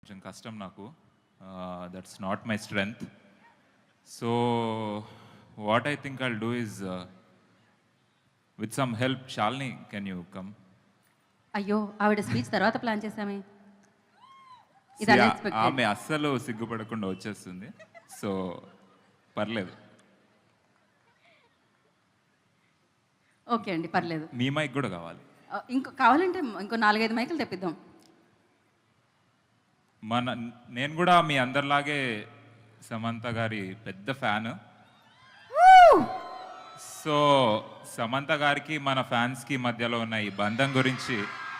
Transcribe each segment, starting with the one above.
కొంచెం కష్టం నాకు. That's not my strength. So what I think I'll do is with some help. Shalini, can you come? అయ్యో, ఆవిడ speech తర్వాత ప్లాన్ చేసామే. ఇది ఆమె అస్సలు సిగ్గుపడకుండా వచ్చేస్తుంది. సో పర్లేదు. ఓకే అండి, పర్లేదు. మీ మైక్ కూడా కావాలి. కావాలంటే ఇంకో 4-5 మైకులు తెప్పిద్దాం. నేను కూడా మీ అందరిలాగే సమంత గారి పెద్ద ఫ్యాన్. సో సమంత గారికి మన ఫ్యాన్స్కి మధ్యలో ఉన్న ఈ బంధం గురించి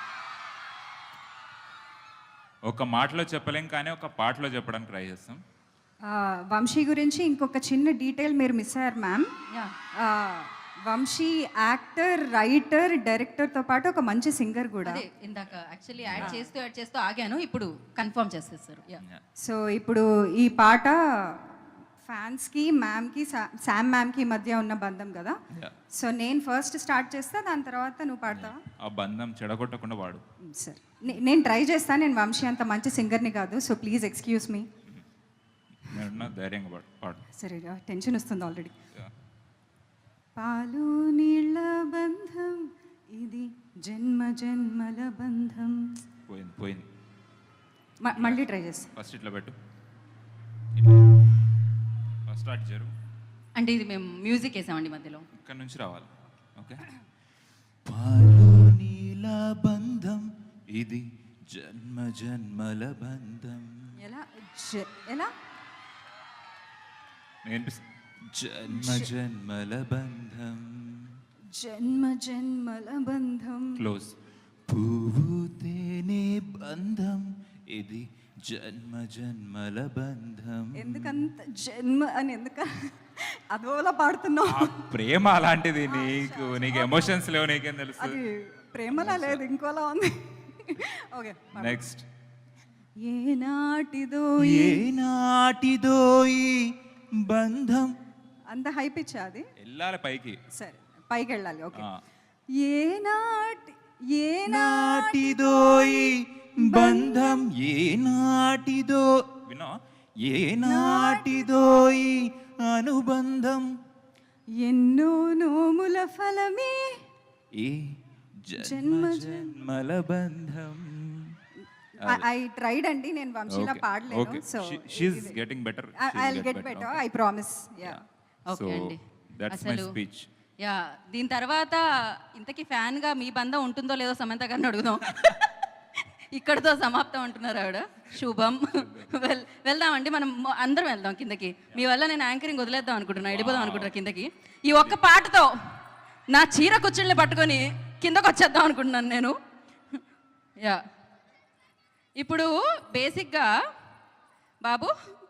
ఒక మాటలో చెప్పలేం, కానీ ఒక పాటలో చెప్పడానికి ట్రై చేస్తాం. వంశీ గురించి ఇంకొక చిన్న డీటెయిల్ మీరు మిస్ అయ్యారు మ్యామ్. వంశీ యాక్టర్, రైటర్, డైరెక్టర్తో పాటు ఒక మంచి సింగర్ కూడా. ఇందాక యాక్చువల్లీ యాడ్ చేస్తూ ఆగాను, ఇప్పుడు కన్ఫర్మ్ చేసేస్తారు. సో ఇప్పుడు ఈ పాట ఫ్యాన్స్కి, మ్యామ్కి, శామ్ మ్యామ్కి మధ్య ఉన్న బంధం కదా. సో నేను ఫస్ట్ స్టార్ట్ చేస్తా, దాని తర్వాత నువ్వు పాడతావా? ఆ బంధం చెడగొట్టకుండా వాడు. సరే, నేను ట్రై చేస్తాను. నేను వంశీ అంత మంచి సింగర్ని కాదు, సో ప్లీజ్ ఎక్స్క్యూజ్ మీ. ధైర్యంగా పాడు. సరే, టెన్షన్ వస్తుంది ఆల్రెడీ. పాలు నీళ్ళ బంధం ఇది, జన్మ జన్మల బంధం. పోయింది. మళ్ళీ ట్రై చేస్తా. ఫస్ట్ ఇట్లా పెట్టు, ఫస్ట్ స్టార్ట్ జరు. అంటే ఇది మేము మ్యూజిక్ వేసామండి మధ్యలో, ఇక్కడ నుంచి రావాలి. ఓకే. పాలు నీళ్ళ బంధం ఇది, జన్మ జన్మల బంధం. ఎలా జన్మ జన్మల బంధం, జన్మ జన్మల బంధం. క్లోజ్. పువ్వు తేనె బంధం ఇది, జన్మ జన్మల బంధం. ఎందుకంత జన్మ అని అదోలా పాడుతున్నావు? ప్రేమ అలాంటిది. నీకు ఎమోషన్స్ లేవు, నీకేం తెలుసు? అది ప్రేమలా లేదు, ఇంకోలా ఉంది. Okay, next. ఏనాటిదో ఈ బంధం. అంత హై పిచ్ అది? వెళ్ళాలి పైకి. సరే, పైకి వెళ్ళాలి. ఓకే. ఏనాటిదో ఈ బంధం, ఏనాటిదో వినో, ఏనాటిదో ఈ అనుబంధం, ఎన్నో నోముల ఫలమే ఈ జన్మ జన్మల బంధం. ఐ ట్రైడ్ అండి, నేను వంశీలా పాడలేదు. So she is getting better. I will get better, I promise. Yeah, okay అండి. That's my speech. యా, దీని తర్వాత ఇంతకీ ఫ్యాన్ గా మీ బంధం ఉంటుందో లేదో సమంత గారిని అడుగుదాం. ఇక్కడతో సమాప్తం అంటున్నారు ఆవిడ. శుభం. వెళ్దామండి, మనం అందరం వెళ్దాం కిందకి. మీ వల్ల నేను యాంకరింగ్ వదిలేద్దాం అనుకుంటున్నా, వెళ్ళిపోదాం అనుకుంటున్నా కిందకి. ఈ ఒక్క పాటతో నా చీర కుచ్చుల్ని పట్టుకొని కిందకు వచ్చేద్దాం అనుకుంటున్నాను నేను. యా, ఇప్పుడు బేసిక్గా బాబు,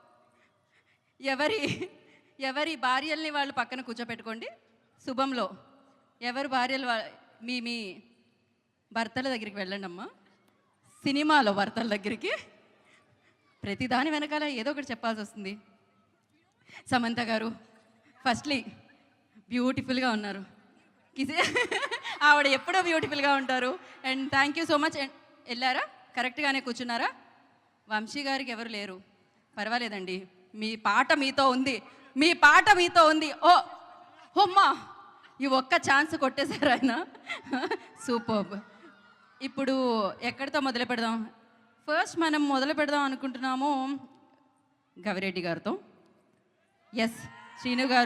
ఎవరి భార్యల్ని వాళ్ళు పక్కన కూర్చోపెట్టుకోండి. శుభంలో ఎవరి భార్యలు మీ భర్తల దగ్గరికి వెళ్ళండి అమ్మా. సినిమాలో భర్తల దగ్గరికి ప్రతిదాని వెనకాల ఏదో ఒకటి చెప్పాల్సి వస్తుంది. సమంత గారు ఫస్ట్లీ బ్యూటిఫుల్గా ఉన్నారు. ఆవిడ ఎప్పుడో బ్యూటిఫుల్గా ఉంటారు. And thank you so much. And వెళ్ళారా, కరెక్ట్గానే కూర్చున్నారా? వంశీ గారికి ఎవరు లేరు, పర్వాలేదండి. మీ పాట మీతో ఉంది, మీ పాట మీతో ఉంది. ఓ హొమ్మా, ఈ ఒక్క ఛాన్స్ కొట్టేశారు ఆయన. సూపర్బ్. ఇప్పుడు ఎక్కడితో మొదలు పెడదాం? ఫస్ట్ మనం మొదలు పెడదాం అనుకుంటున్నాము గవిరెడ్డి గారితో. ఎస్, శ్రీను గారు.